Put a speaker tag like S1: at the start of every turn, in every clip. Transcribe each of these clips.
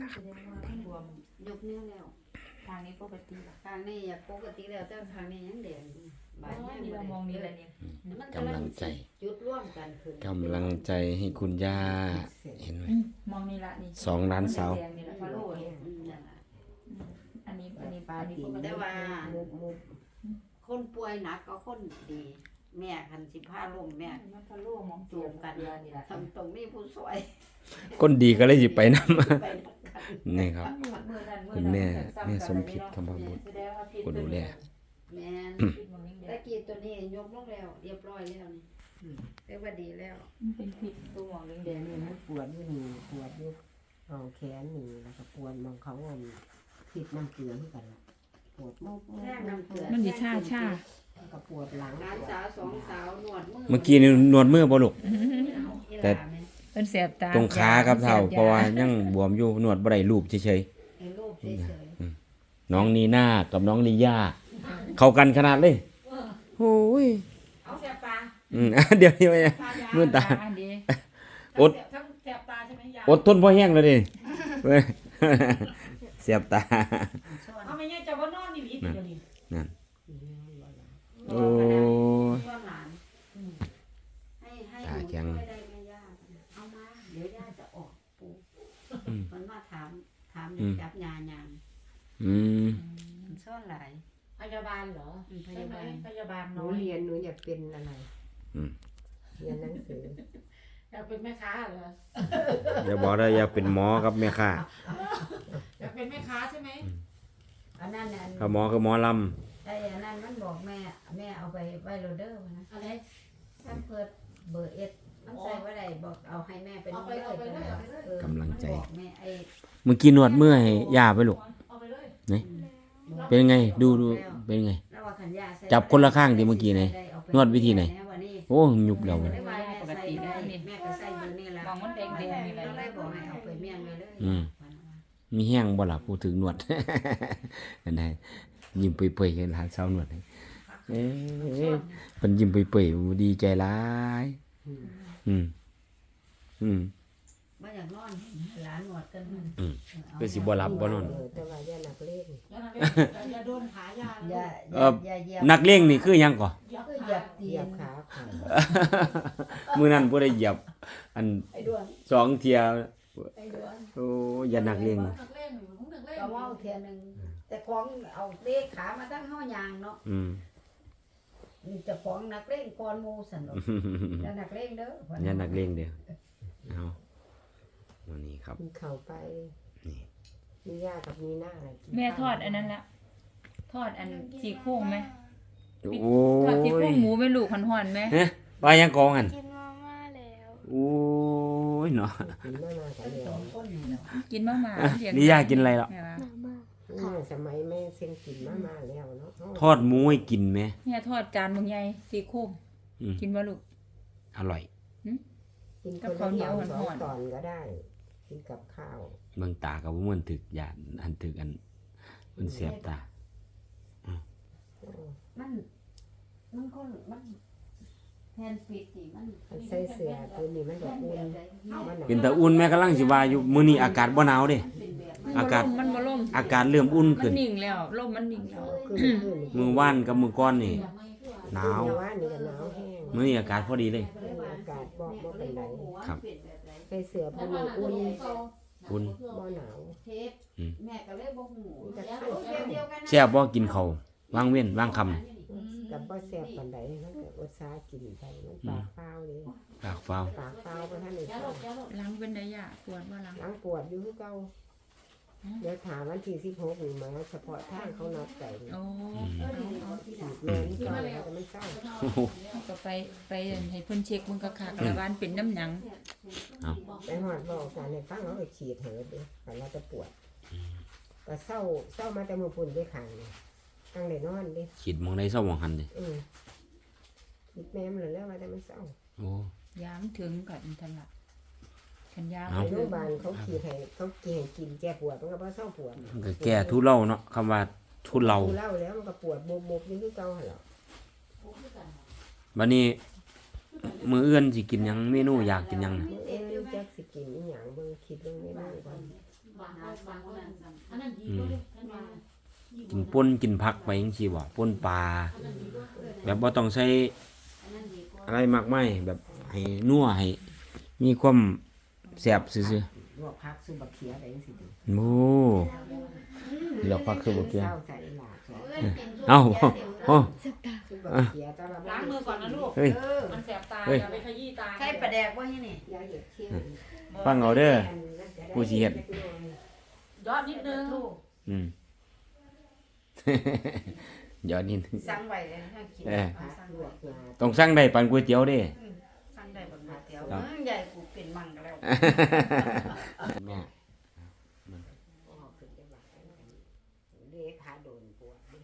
S1: นะครับ
S2: บวมยกนิ้วแล้วทางนี้ปกติทางนี้อยากปกติแล้วแต่ทางนี้ยังแดงบาดนี่เรามองนี่แหละนี่มัน
S1: กำลังใจ
S2: จุดร่วมกันขึ้น
S1: กำลังใจให้คุณย่าเห็นไหม
S3: มองนี่ละนี่
S1: สองล้านเสา
S3: แดงนี่ละพะโล่เนี่ย
S2: นั่นล่ะ
S3: อันนี้ปลานี่ปกติ
S2: แต่ว่าคนป่วยหนักก็คนดี แม่คันสิพาลงแม่
S3: มันพะโล่มอง
S2: จูบกัน
S3: นี่ละ
S2: ทำตรงนี้ผู้สวย
S1: ก้นดีก็เลยสิไปนำ
S2: ไป
S1: นี่ครับ คุณแม่สมพิษคำพบุตรผู้ดูแล
S2: แม่ตะกี้ตัวนี้ยกลงแล้วเรียบร้อยแล้วนี่เรียกว่าดีแล้ว
S3: เป็นผิดตัวมองแดง
S4: นี่มันปวดอยู่นี่ปวดอยู่เอาแขนนี่แล้วก็ปวดมองเขาอ่อนผิดน้ำเกลือที่กันล่ะปวดมุก
S2: แท่งน้ำเกลือ
S3: มันดิชา
S4: ก็ปวดหลัง
S2: ร้านสาวสองสาวหนวดมือ
S1: เมื่อกี้นี่นวดมือบ่ลูก แต่
S3: เป็นแสบตา
S1: ตรงขาครับเท่าเพราะว่ายังบวมอยู่นวดบ่ได้รูปเฉย
S2: ไอ้รูปเฉย
S1: ๆน้องนีน่ากับน้องลีย่าเข้ากันขนาดเลยโอ้ย
S5: เอาแสบตา
S1: เดี๋ยวนี้ไปมือตา
S3: ดี
S1: อด
S5: ทั้งแสบตาใช่ไหมยาย
S1: อดทนพอแห้งแล้วดิเว้ย เสียบตา
S5: เอาไม่ง่ายจะว่านอนนี่หรือเดี๋ยวนี้
S1: นั่น
S2: ๆ
S1: โอ้ย
S2: ว่าหลานให้ห
S1: ตา
S2: นู
S1: แข็ง
S2: ช่วยได้ไหมย่าเอามาเดี๋ยวย่าจะออกปูมันมาถามจับยายาง
S1: อืม
S2: มันซ่อนหลาย
S5: พยาบาลเหรอ
S2: พ
S5: ใช่
S2: ยา
S5: ไหม
S2: บาล
S5: พยาบาล
S4: หนู
S5: น้อย
S4: เรียนหนูอยากเป็นอะไรเรียนหนังสือ
S5: อยากเป็นแม่ค้าเหรอ
S1: อย่าบอกได้อย่าเป็นหมอครับแม่ค่ะ
S5: อยากเป็นแม่ค้าใช่ไหม
S2: อันนั้น
S1: ถ้าหมอคือหมอล
S2: ไอ้อันนั้นมันบอกแม่เอาไปไว้โรเดอร์นะ
S5: อะไร
S2: ถ้าเปิดเบอร์เอสมันใส่ไว้ได้บอกเอาให้แม่เป็น
S5: เอาไปเลย
S1: กำลังใจ
S2: บอกแม่ไอ้
S1: เมื่อกี้นวดเมื่อยย่าไปลูก
S5: เอาไปเลย
S1: เป็นไงดูเป็นไง
S2: แล้วว่าขันยาใส่
S1: จับคนละข้างดิเมื่อกี้ไหน
S2: ได้เอาไป
S1: นวดวิธีไหน
S2: แม่ว่านี่
S1: โอ้ยุบแล้ว
S2: แม่ว่าแม่ใส่ได้แม่ก็ใส่เบอร์นี่ละ
S3: มองมันแดงนี่
S2: ก็
S3: ละ
S2: เลยบอกให้เอาไปเมี่ยงเลยเลย
S1: มีแห้งบ่ล่ะพูดถึงนวด อันไหนยิ้มเปื่อยๆเห็นหลานสาวนวดให้เอ๊ะเพิ่นยิ้มเปื่อยๆดีใจหลายอืม
S2: มาอยากนอนหลานหนวดกัน
S1: เพื่อสิบ่หลับบ่นอน
S4: แต่ว่าอย่าหนักเล่น
S5: อย่าโดนขายา
S2: อย่าเหยียบ
S1: นักเลงนี่คือหยังก่อ
S2: ก็เหยียบตี
S4: เหยีย
S2: น
S4: บขาขา
S1: มื้อนั้นบ่ได้เหยียบอัน
S2: ไอ้ด้วน
S1: สองเที่ย
S2: ไอ้ด้วน
S1: โอ้อย่านักเลง
S5: นักเล่นอยู่มึงนักเล่น
S2: ก็ว่าเทียนึงแต่ของเอาเลขขามาตั้งห้อยางเนาะ จะของนักเล่นก่อนหมู่สั่นดอกอย่านักเล่นเด้อ
S1: อย่านักเลงเด้อเอาวันนี้ครับ
S4: มีเข่าไป
S1: นี่
S4: มีย่ากับมีหน้าอะไรกิน
S3: แม่ทอดอันนั้นละทอดอันซี่โครงไหม
S1: โอ้
S3: ทอดซี่โคร
S1: ย
S3: งหมูไม่ลูกห่อนๆไหม
S1: เฮ้ยว่ายังกองหั่น
S6: กินมาม่าแล้ว
S1: โอ้ยเนาะ
S4: กินมากันเลย
S2: สองคนนี่เนาะ
S3: กินมากๆเลี้ยง
S1: นี่ย่ากินอะไรหรอ
S3: แม่ว่า
S6: มาม่า
S4: สมัยแม่เซ็งกินมาแล้วเนาะ
S1: ทอดหมูให้กินไหม
S3: แม่ทอดจานบางใหญ่ซี่โครง
S1: อืม
S3: กินบ่ลูก
S1: อร่อย
S4: กินคนละสองตอนก็ได้ กินกับข้าว
S1: เบิ่งตากับมันถึกยานอันถึกอันมันเสียบตา
S2: มันคนมันแทนปิดนี่มัน
S4: ใส่เสื้อตัวนี้มันแบบอุ่นมัน
S1: เป็นตาอุ่นแม่กำลังสิว่าอยู่มื้อนี้อากาศบ่หนาวเด้
S2: เป็นแบบ
S3: มัน
S1: อากาศ
S3: มันบ่ล่ม
S1: อากาศเริ่มอุ่น
S3: มัน
S1: ขึ้น
S3: นิ่งแล้วลมมันนิ่งแล้ว
S1: มื้อวานกับมื้อก่อนนี่หนาว
S4: ว่านี่ก็หนาวแห้ง
S1: มื้อนี้อากาศพอดีเลย
S4: อากาศบอกบ่เป็นไร
S1: ครับ
S4: ใส่เสื้อตัวนี้อุ่น
S1: อุ่น
S4: บ่หนาว
S2: เทปแม่ก็เลยบ่ฮู้
S4: แต่ข้าว
S2: เดียวกันนะ
S1: แซ่บบ่กินข้าววางเว้นวางคำ
S4: กับบ่แซ่บปานใดมันก็อดซากินไปมันปากเปล่าเลย
S1: ปากฟ้าว
S4: ปากเปล่าบ่ทันได้เศร้า
S3: ล้างเป็นได้ยะปวดว่าล้าง
S4: หลังปวดอยู่คือเก่าเดี๋ยวถามวันที่16นี่มาเฉพาะทางเขานัดไป
S3: โอ้
S4: ฉีดแม่นี่เก่าแล้วแต่มันเศร้า
S3: ก็ไปให้เพิ่นเช็คมึงก็คักแล้วบ้านเป็นน้ำหยัง
S4: ไปหอดบอกการในฟังเขาไปฉีดเหอะเด้แต่เราจะปวดก็เศร้ามาแต่มือปุ่นด้วยขางนี่ตั้งได้นอนเด้
S1: ฉีดหมองใดเศร้าหมองหันเด้
S4: ฉีดแม่มันเลยแล้วว่าแต่มันเศร้า
S1: โอ้
S3: ยามถึงกับอินทนละขันยาม
S1: เอ้า
S4: ไปโรงพยาบาลเขาฉีดให้เขากินแก้ปวดมันก็บ่เศร้าปวด
S1: มันก็แก้ทุเลาเนาะคำว่าทุเลา
S4: ดูเล่าแล้วมันก็ปวดบุบๆอยู่คือเก่าหั่นแหละ
S1: บัดนี้มื้ออื่นสิกินหยังเมนูอยากกินหยังน่ะ
S4: มื้อจักสิกินอีหยังเบิ่งคิดเรื่องนี้ก่อน
S5: บางคนอันนั้นดีก็เลยอันนั้น
S1: กินป่นกินผักไปจังซี่บ่ป่นปลาแบบบ่ต้องใช้อะไรมากมายแบบให้นัวให้มีความแซ่บซื่อ
S4: ลวกผักซุปบักเขียได้จังซี่ดิ
S1: ๆโอ้เลือกผักคือบ่เกี่ย
S4: เจ้าใส่หลากใส่
S1: เอ้าโอ้
S4: ซุปบักเขียตอนละ
S5: ล้างมือก่อนนะลูก
S1: เฮ้ย
S5: มันแสบตา
S1: เฮ้ย
S5: อย่าไปขยี้ตา
S2: ใช่ปลาแดกบ่นี่
S4: ยาเห็ดเชี่ย
S1: ฟังเอาเด้อ ผู้สิเฮ็ด
S5: ยอดนิดนึง
S1: อืม ยอดนิดนึง
S2: สั่งไว้เลยให้กิน
S1: เออ
S2: สั่ง
S4: ลว
S2: ไว้
S4: กยา
S1: ต้องสั่งได้ปานก๋วยเตี๋ยวเด้
S2: สั่งได้บนมาเตียว
S1: ครับ
S2: ใหญ่กูเป็นมังก็แล้ว
S1: แม่
S4: ออกขึ้นได้ว่าเลขาโดนปวดดิ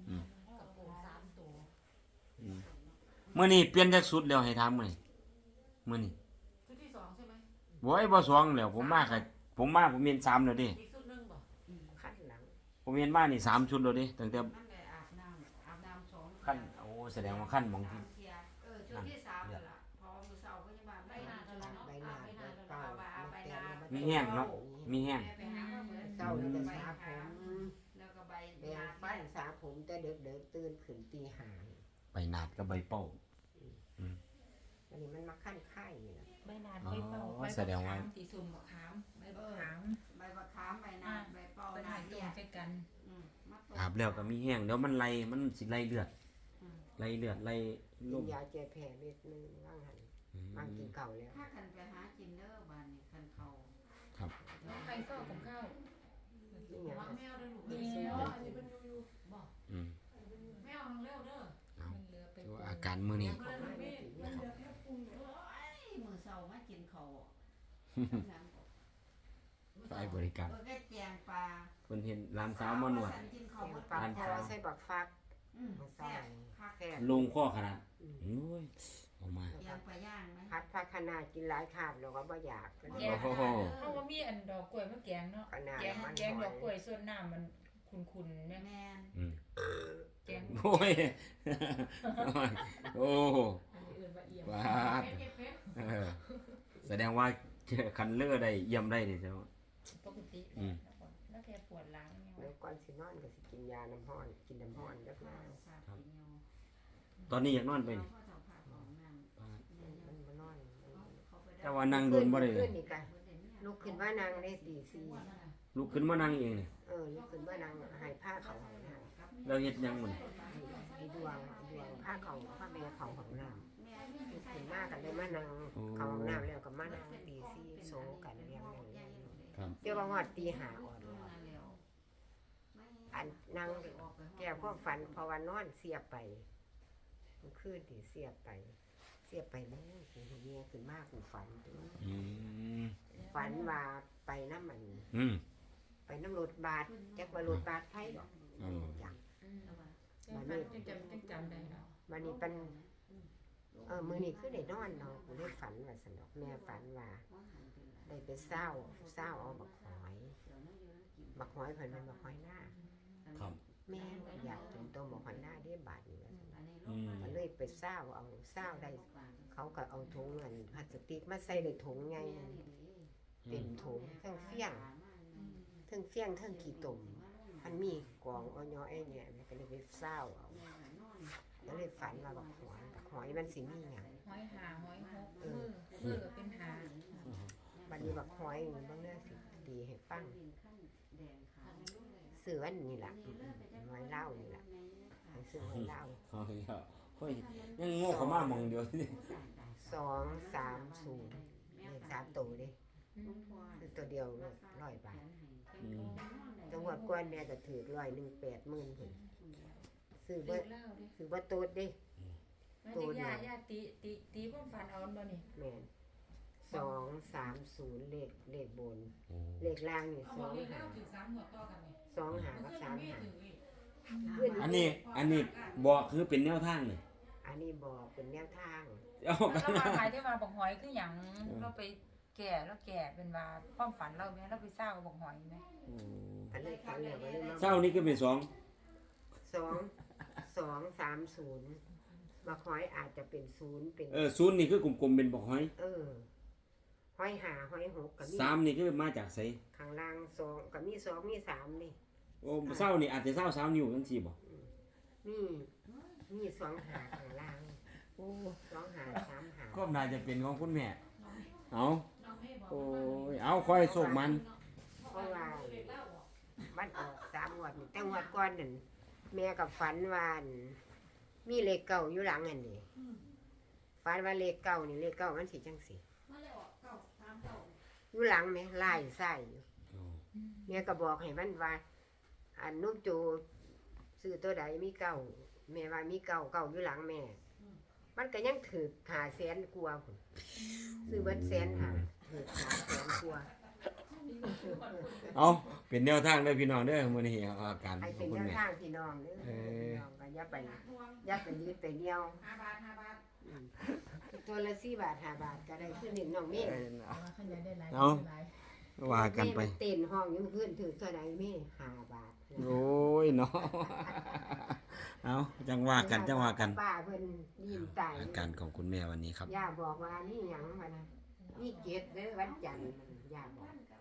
S1: มื้อนี้เปลี่ยนจากสุดแล้วให้ถามมื้อนี้มื้อนี้
S5: ชุดที่สองใช่ไหม
S1: บ่ไอ้บ่สองแล้วผมมาผมเห็น3แล้วเด้
S5: อีกชุดหนึงบ่
S4: ขั้นหลัง
S1: ผมเห็นมานี่3ชุดแล้วเด้ตั้งแต่
S2: มันได้อาบน้ำสอง
S1: ขั้นโอ้แสดงว่าขั้นหมองที่
S2: เทียชุดที่สามนั่นล่ะพอมื้อเช้าก็จะมาใบหน้าเท่านั้น
S4: ใบหน้าใบเป้า
S2: ใบหน้า
S1: มีแห้งเนาะมีแห้ง
S2: ไปหาว่าเหมือน
S4: เศร้าแล้วก็สาผม
S2: แล้วก็ใบ
S4: แปรงฟันสาผมแต่เด็กๆตื่นขึ้นตีห้า
S1: ใบหนาดกับใบเป้า
S4: อันนี้มันมาขั้นไข่นี่แหละ
S3: ใบหนาดใบเป่า
S1: อ๋อ
S3: ใบ
S1: แสดงว่า
S3: สีส้มมะขามใบมะขาม
S2: ใบมะขามใบหน้าใบเป้า
S3: ใบ
S2: ห
S3: ห
S2: น้า
S3: นาดตร
S2: เหี้
S3: ง
S2: ย
S3: ใส่กัน
S1: อาบแล้วก็มีแห้งเดี๋ยวมันไหลมันสิไหลเลือดไหลเลือดไหล
S4: กิ
S1: ล
S4: น
S1: ม
S4: ยาแก้แพ้เม็ดนึงว่างหันว่างกินเก่าแล้ว
S2: ถ้าคันไปหาจินเดอร์บ้านนี่คันเขา
S1: ครับ
S3: แล้วใครเฝ้ากับข้าว
S4: นี่ไง
S5: วางแมวด้วยลูก
S3: แมว
S5: อันนี้เป็นยูบอก
S1: อืม
S5: แมวทางเร็วเด้อ
S3: มันเหลือไป
S1: ถือว่าอาการมื้อนี้
S5: มันเลยไม่มันเหลือแค่ปรุง
S2: มือเช้ามากินเขา
S1: ฝ่ายบริการ
S2: ก็แจงปลา
S1: เพิ่นเห็นร้านสาวมานวด
S2: กินเขา
S4: เสียงปลาคอใส่บักฟัก
S2: แซ่บผัก
S4: แค่
S1: ลงข้อขนาดโอ้ยออกมา
S2: ย่างปลาย่างไหม
S4: พัดพักขนาดกินหลายคาบแล้วก็บ่อยาก
S3: แกงเพราะว่ามีอันดอกกล้วยมะแกงเนาะ
S4: ขนาด
S3: แกง
S4: มัน
S3: แกงดอกกล้วยส่วนน้ำมันขุ่นๆเนี่ย
S2: แม่น
S1: อืม
S3: แกง
S1: โอ้ยโอ้
S3: อันนี้เอื่นว่าเอี่ยม
S1: บาด
S5: เก็บเก็บ
S1: เออแสดงว่าคันเลือได้เยี่ยมได้นี่ใช่ไหม
S3: ปกติ
S1: อืม
S3: แล้วแกปวดหลังเนี่ย
S4: แล้วก่อนสินอนก็สิกินยาน้ำห้อนกินน้ำห้อนแล้วก็
S1: ตอนนี้อยากนอนไปนี่
S4: มันมานอน
S1: แต่ว่านั่งโดนบ่ได้
S4: ขึ้นนี่กันลุกขึ้นว่านางได้ตีสี่
S1: ลุกขึ้นมานั่งเองนี่
S4: ลุกขึ้นว่านางหายผ้าเขาของน้
S1: เราเฮ็ดหยังมัน
S4: ำไอ้ดวงผ้าเขาผ้าแม่เขาของน้ำลุกขึ้นมากันเลยมานั่งเขาของน้ำแล้วก็มานั่งตีสี่โซกันเรียงเลย
S1: ครับ
S4: เดี๋ยวว่าหอดตีหาอ่อนอันนั่งแก้พวกฝันเพราะว่านอนเสียบไปมันขึ้นตีเสียบไปแม่กูเมียขึ้นมากกูฝันตัว
S1: อืม
S4: ฝันว่าไปน้ำมัน
S1: อืม
S4: ไปน้ำรถบาทจักว่ารถบาทไผดอก
S1: อ๋อ
S4: จัง
S3: จังจำได้แล้ว
S4: วันนี้เป็นมื้อนี้คือได้นอนเนาะกูได้ฝันว่าสนอกแม่ฝันว่าได้ไปเศร้าเอาบักหอยเพิ่นเป็นบักหอยหน้า
S1: ครับ
S4: แม่อยากกินตัวบักหอยหน้าเด้บาทนี่ว่าซั่น
S1: อืม
S4: ก็เลยไปเศร้าได้เขาก็เอาถุงเงินพลาสติกมาใส่ในถุงไงเต็มถุงทั้งเฟี้ยงทั้งขี้ตุ่มมันมีกองอ้อยๆเนี่ยก็เลยไปเศร้าเอาก็เลยฝันว่าบักหอยมันสิมีหยัง
S3: ห้อยหาห้อยหกมือก็เป็นหา
S4: บัดนี้บักหอยนี่บางเรื่องสิดีให้ฟังซื้ออันนี้ล่ะหอยเล่านี่ล่ะให้ซื้อหอยเล่า
S1: เอาอีกแล้วเฮ้ยยังโง่เขามากมองเดียวนี่
S4: 230เลข3ตัวเด้คือตัวเดียว100 บาท
S1: อืม
S4: จังหวัดกวนแม่ก็ถือ180,000พุ่นซื้อ
S3: เลิ
S4: บ่
S3: กเล่าดิ
S4: ซื้อบ่โตดเด้
S3: แม่เด็กย่าตีความฝันเอาบ่นี่
S4: แม่น230เลขบน
S1: โอ้
S4: เลขล่างนี่
S5: เอาบอกเลขแล้วถึง3หัวต่อกันนี่
S4: 2 กับ
S5: มี
S4: 3
S5: ถึงอีก
S1: อันนี้บอกคือเป็นแนวทางนี่
S4: อันนี้บอกเป็นแนวทาง
S1: เอา
S3: แล้วมาขายที่มาบอกหอยคือหยังเราไปแก่แล้วแก่เป็นว่าความฝันเราแม่เราไปเศร้าบอกหอยไหม
S1: โอ้
S4: อันนี้ฝันแล้วก็เลยมา
S1: เช้านี้ก็เป็น2
S4: 230บักหอยอาจจะเป็น0เป็น
S1: ศูนย์นี่คือกลมๆเป็นบอกหอย
S4: หอยหาหอยหกก็มี
S1: 3นี่คือมาจากไส
S4: ข้างล่าง2ก็มี2มี3นี่
S1: โอ้เศร้านี่อาจจะเศร้า3นิ้วจังซี่บ่
S4: มี2หาข้างล่างโอ้2หา3หา
S1: ก็น่าจะเป็นของคุณแม่เอา
S5: น้องให้บอก
S1: โอ้ยเอาค่อยโชคมัน
S4: เพราะว่า
S5: เด็กเล่าบอก
S4: มันออก3งวดนี่แต่งวดก่อนนั่นแม่กับฝันว่าอั่นมีเลขเก่าอยู่หลังอันนี้ฝันว่าเลขเก่านี่เลขเก่ามันสิจังซี่
S5: มาเลยออกเก่าตามเก่า
S4: อยู่หลังแม่ไล่ใส่อยู่แม่ก็บอกให้มันว่าอันนุ่มโจซื้อตัวใดมีเก่าแม่ว่ามีเก่าอยู่หลังแม่ มันก็ยังถือ500,000กว่าพุ่นซื้อเบิด100,000ถือ500,000กว่า
S1: เอาเป็นแนวทางเด้อพี่น้องเด้อมื้อนี้เอาอาการข
S4: ให้
S1: อง
S4: เป็น
S1: คุณ
S4: แนว
S1: แม่
S4: ทางพี่น้องเด้อพี่น้องก็อย่าไปยืดไปเดียว
S5: 5 บาท
S4: ตัวละ4 บาท 5 บาทก็ได้คือ1น้องเมฆ
S1: เอาว่ากันไป
S4: แม่เต้นห้องอยู่เพื่อนถือเท่าใดเมฆ5 บาท
S1: โอ้ยเนาะ เอาจังว่ากัน
S4: ป้าเพิ่นยิ้มตาย
S1: อาการของคุณแม่วันนี้ครับ
S4: ย่าบอกว่านี่หยังวะนะนี่เกตเด้อวันจันทร์มันย่าบอก